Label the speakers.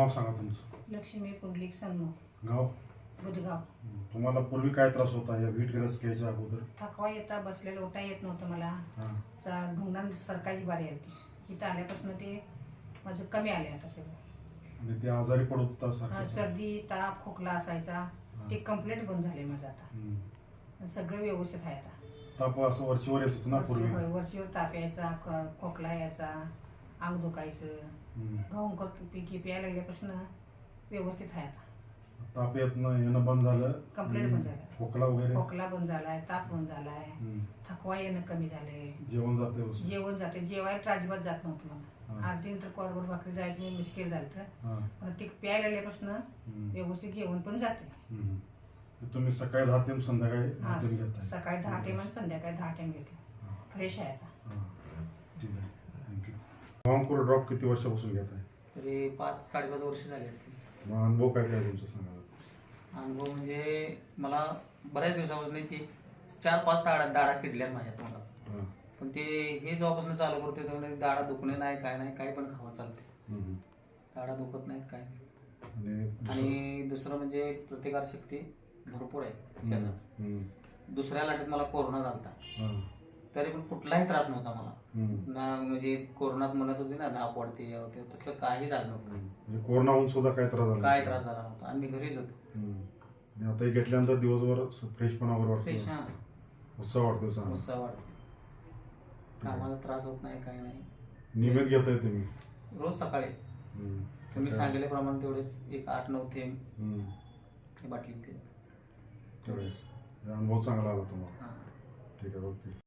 Speaker 1: नाव सांगा तुमचं.
Speaker 2: लक्ष्मी पुंडलिक सन्मुख,
Speaker 1: गाव.
Speaker 2: बुधगाव.
Speaker 1: तुम्हाला पूर्वी काय त्रास होता या वीट ग्रस घ्यायच्या अगोदर?
Speaker 2: थकवा येता, बसलेलं उठा येत नव्हतं मला. ढुंगणान सरकायची बारी आली ती. इथं आल्यापासून ते माझं कमी आले आता सगळं.
Speaker 1: आणि ते आजारी पडत होता सारखं?
Speaker 2: सर्दी, ताप, खोकला असायचा. ते कंप्लीट बंद झाले माझं आता. सगळं व्यवस्थित आहे आता.
Speaker 1: ताप असं वरचीवर येत होतं ना पूर्वी?
Speaker 2: वरचीवर ताप यायचा, खोकला यायचा, अंग दुखायचं. गहू पिकी प्यायला लागल्यापासून व्यवस्थित आहे आता.
Speaker 1: ताप येणं बंद झालं?
Speaker 2: कंप्लीट बंद झालं.
Speaker 1: खोकला वगैरे?
Speaker 2: खोकला बंद झालाय, ताप बंद झालाय, थकवा येणं कमी झालंय.
Speaker 1: जेवण जाते?
Speaker 2: जेवण जाते. जेवायला तर अजिबात जात नव्हतं मला. 8 दिन तर कोरभर भाकरी जायची मी मुश्किल झालं. पण ते प्यायला लागल्यापासून व्यवस्थित जेवण पण जाते.
Speaker 1: तुम्ही सकाळी 10 टाइम संध्याकाळी 10 टाइम घेताय?
Speaker 2: सकाळी 10 टाइम आणि संध्याकाळी 10 टाइम घेतो. फ्रेश आहे आता.
Speaker 1: ठीक आहे, थँक्यू. वामकुर ड्रॉप किती वर्षापासून घेताय?
Speaker 3: तरी 5-5.5 वर्ष झाली असतील.
Speaker 1: मग अनुभव काय काय तुमचा सांगा?
Speaker 3: अनुभव म्हणजे मला बऱ्याच दिवसापासून ती 4-5 दाढा किडल्यात माझ्या तोंडात. पण ते हे जेव्हापासून चालू करते तेव्हा दाढा दुखणे नाही, काय नाही, काही पण खावा चालते. दाढा दुखत नाहीत, काय नाही. आणि दुसरं म्हणजे प्रतिकारशक्ती भरपूर आहे शरीरात. दुसऱ्या लाटेत मला कोरोना झालता, तरी पण कुठलाही त्रास नव्हता मला ना. म्हणजे कोरोनात म्हणत होती ना धाप वाढते, तसलं काही झालं नव्हतं.
Speaker 1: कोरोना होऊन सुद्धा काय त्रास झाला?
Speaker 3: काय त्रास झाला नव्हता. आणि मी घरीच होतो.
Speaker 1: आता घेतल्यानंतर दिवसभर फ्रेशपणा वगैरे
Speaker 3: फ्रेश.
Speaker 1: वाटतो, उत्साह वाटतो?
Speaker 3: उत्साह वाटतो. कामाला त्रास होत नाही, काही नाही.
Speaker 1: नियमित घेताय तुम्ही?
Speaker 3: रोज सकाळी तुम्ही सांगितल्याप्रमाणे तेवढेच एक 8-9 थेंब बाटलीत
Speaker 1: तेवढेच. अनुभव चांगला आला तुम्हाला? ठीक आहे, ओके.